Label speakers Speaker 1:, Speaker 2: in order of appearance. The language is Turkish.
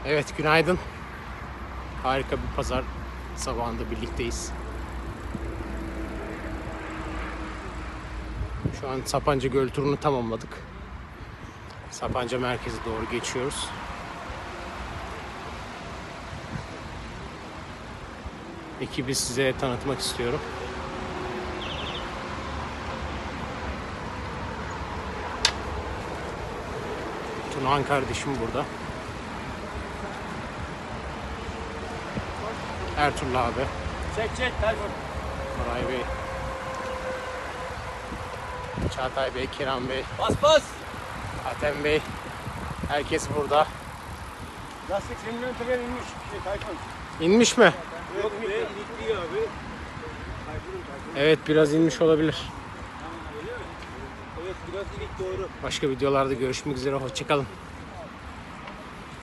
Speaker 1: Evet, günaydın. Harika bir pazar sabahında birlikteyiz. Şu an Sapanca Göl turunu tamamladık. Sapanca merkeze doğru geçiyoruz. Ekibi size tanıtmak istiyorum. Tunahan kardeşim burada. Ertuğrul abi.
Speaker 2: Çek Tayfun.
Speaker 1: Koray Bey. Çağatay Bey, Kerem Bey,
Speaker 2: Bas.
Speaker 1: Atem Bey. Herkes burada.
Speaker 2: Lastik senin ön teker inmiş. Tayfun.
Speaker 1: İnmiş mi?
Speaker 2: Yok ilikliyor abi.
Speaker 1: Evet, biraz inmiş olabilir.
Speaker 2: Evet biraz ilik doğru.
Speaker 1: Başka videolarda görüşmek üzere. Hoşça kalın.